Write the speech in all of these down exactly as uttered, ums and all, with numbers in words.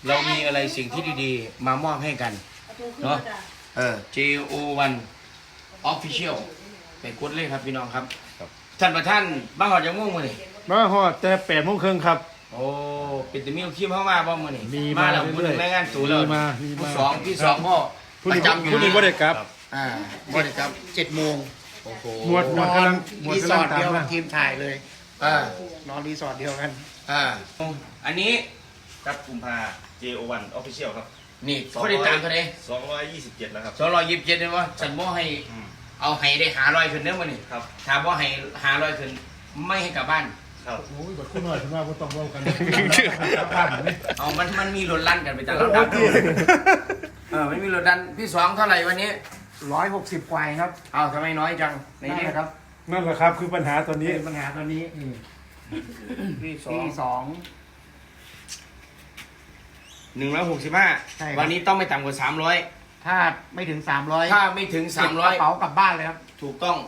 เรามีอะไรสิ่งที่ดีๆ มามอบให้กันเนาะเออ เจ โอ วัน Official ไปกดเลยครับพี่น้องครับท่านประธานบ้านหอดยังง่วงมื้อนี่มาฮอดแต่แปดโมงครึ่งครับโอ้เป็นแต่มีคิมเข้ามาบ้างมื้อนี่มีมามาแล้วผู้หนึ่งเรื่อยๆรายงานตัวแล้วมีมามีมาผู้สองพี่สองพ่อผู้ปนี้ระจำอยู่ผู้นี้บ่ได้กลับอ่าบ่ได้ครับเจ็ดโมงโอ้โหหมวดหมวดกำลังหมวดรีสกำลัอง ร์ทตามเดียวกัมาบทีมถ่ายเลยอ่านอนรีสอร์ทเดียวกันอ่าอันนี้ครับกุมภา เจ โอ วัน Official ครับนี่เขาได้ตามเท่าไหร่สองร้อยยี่สิบเจ็ดแล้วครับสองร้อยยี่สิบเจ็ดเลยว่าฉันบ่ให้อืมเอาให้ได้หาร้อยขึ้นเด้อมื้อนี่ครับถ้าบ่ให้หาร้อยขึ้นไม่ให้กลับบ้านครับโอ้ยบัดคุณหน่อยคุณว่าบ่ต้องเว้ากันกลับบ้านนี่เอามันมันมีรถลั่นกันไปแต่ละดับเออไม่มีรถดันพี่สองเท่าไหร่วันนี้ร้อยหกสิบกว่าเองครับเอาทำไมน้อยจังในนี่นี้นะครับนั่นแหละครับคือปัญหาตอนนี้ปัญหาตอนนี้พี่สอที่งสองหนึ่งร้อยหกสิบห้าใช่ครับวันนี้ต้องไม่ต่ำกว่าสามร้อยถ้าไม่ถึงสามร้อยถ้าไม่ถึงสามร้อยกระเป๋ากลับบ้านเลยครับถูกต้อง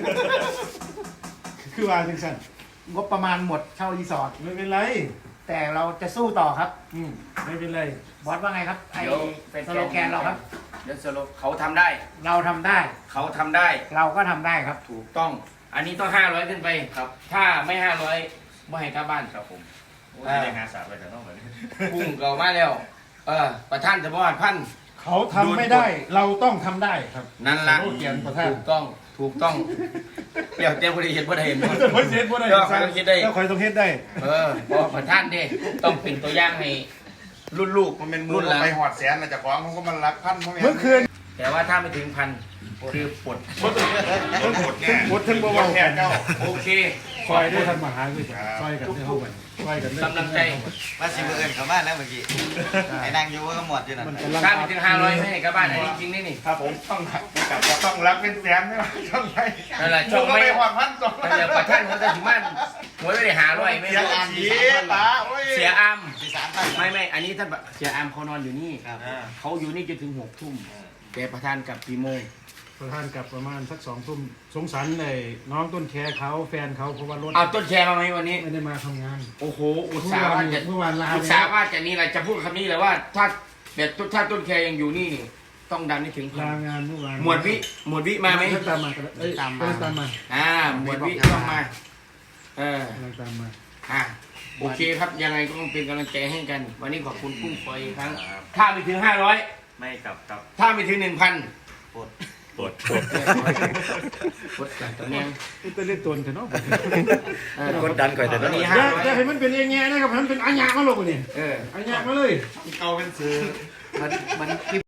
คือว่าจังซั่นงบประมาณหมดเช่ารีสอร์ทไม่เป็นไรแต่เราจะสู้ต่อครับอืมไม่เป็นไรบอสว่าไงครับไอ้เดี๋ยวเป็นสโลแกนเราครับเดี๋ยวสโลเขาทำได้เราทำได้เขาทำได้เราก็ทำได้ครับถูกต้อง อันนี้ต้องห้าร้อยขึ้นไปครับ ถ้าไม่ห้าร้อยไม่ให้กลับบ้านครับผมโอ้ยอ่าได้งานสามไปแต่ต้องเหมือนพุ่งเก่ามาแล้ว เออ ประท่านจะบอกพันเขาทำไม่ได้ เราต้องทำได้ครับนั่นล่ะโอ้เกียรติประธานถูกต้อง ถูกต้องเดี๋ยวเจ้าผู้ใดเห็นผู้ใดเห็นแต่บ่เฮ็ดบ่ได้เจ้าใครต้องคิดได้เจ้าใครต้องเฮ็ดได้เออเพราะประท่านเด้ต้องเป็นตัวอย่างให้รุ่นลูกมันเป็นมืรุ่อนหลังไปหอดแสนนะจากของเขาก็มันรักพันเพราะเมื่อคืนแต่ว่าถ้าไม่ถึงพันคือปลดหมดแน่หมดทั้งบ่เว้าแค่เจ้าโอเคซอยได้ทันมาหาด้วยซอยกันได้เฮากันซอยกันได้กำลังใจว่าสิบเอิญเขาบ้านแล้วเมื่อกี้ไอ้นางอยู่ก็หมดอยู่นั่นมันกำลังถ้าไม่ถึงห้าร้อยไม่ให้กลับบ้านอันนี้จริงนี่นี่ครับผมต้องรักต้องรักเป็นแสนไม่ต้องไปนั่นแหละช่ช่วอง งไม่ไม่หอดพันสองนั่นแหละประท่านเขาจะถึงบ้านหวยไม่ได้หาร้อยไม่เสียได้สีตาโอ้ยเสียอามสี่สามพันไม่ไม่อันนี้ท่านเสียอามเขานอนอยู่นี่ครับเขาอยู่นี่จนถึงหกทุ่มแต่ประธานกลับกี่โมงประธานกลับประมาณสักสองทุ่มสงสารเลยน้องต้นแคเขาแฟนเขาเพราะว่ารถเอาต้นแชร์มาไหมวันนี้ไม่ได้มาทำงานโอ้โห อุตส่าห์ว่าจะเมื่อวานลาอุตส่าห์ว่าจะนี่อะไรจะพูดคำนี้เลยว่า ถ้าเด็ดถ้าต้นแคร์ยังอยู่นี่นี่ต้องดันให้ถึงพันลางานเมื่อวานหมวดวิ หมวดวิมาไหมตามมาเอ้ยตามมาตามมาอ่า หมวดวิต้องมา เออกำลังตามมาอ่าโอเคครับ ยังไงก็ต้องเป็นกำลังใจให้กัน วันนี้ขอบคุณกุ้งฟอยอีกครั้ง ถ้าไม่ถึงห้าร้อยไม่กลับครับถ้าไม่ถึงหนึ่งพันปวดปวดกดกันตรงนี้จะเล่นตัวเถอะเนาะกดดันก่อนแต่ตอนนี้อห้าย่าร้อยอย่าให้มันเป็นเองแง่นะครับให้มันเป็นอัญญามาลงนี่เอออัญญามาเลยเอาเป็นซื้อมันมัน